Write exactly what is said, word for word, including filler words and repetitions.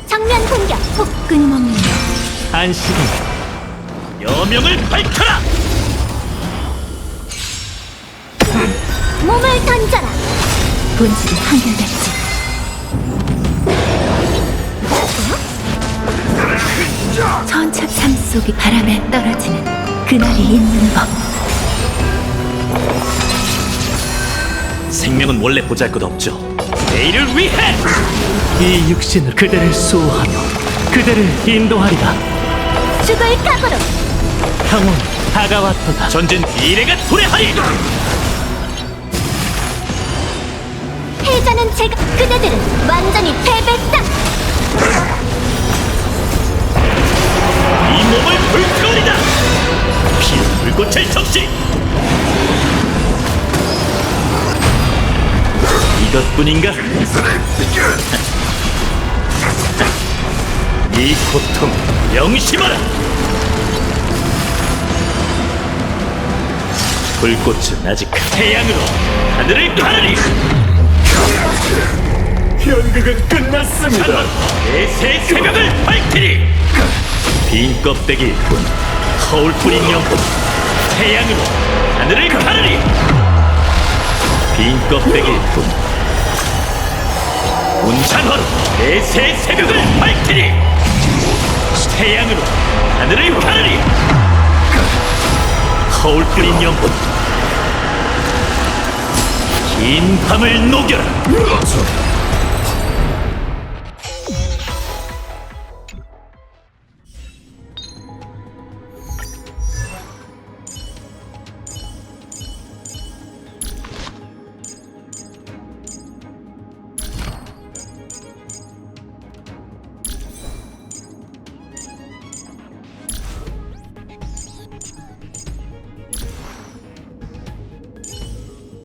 정면 공격. 훅 끊임없는 안식은 여명을 밝혀라! 몸을 던져라. 본질이 한결같지. 천착 삶 속이 바람에 떨어지는 그날이 있는 법. 생명은 원래 보잘것없죠. 내일을 위해! 이 육신을 그대를 수호하며 그대를 인도하리라. 죽을 각오로. 평온 다가왔도다. 전진 미래가 도래하리! 패자는 제가. 그대들은 완전히 패배다. 이 몸을 불태우리다! 피로 불꽃을 적시! 이것뿐인가? 이 고통 명심하라! 불꽃은 아직 태양으로 하늘을 가르리! 연극은 끝났습니다. 내새 새벽을 밝히리! 빈 껍데기일 뿐 허울뿐인 영혼 태양으로 하늘을 가르리! 빈 껍데기일 뿐 운찬화로 내새 새벽을 밝히리! 태양으로 하늘을 가르리! 허울뿐인 영혼 긴 밤을 녹여라!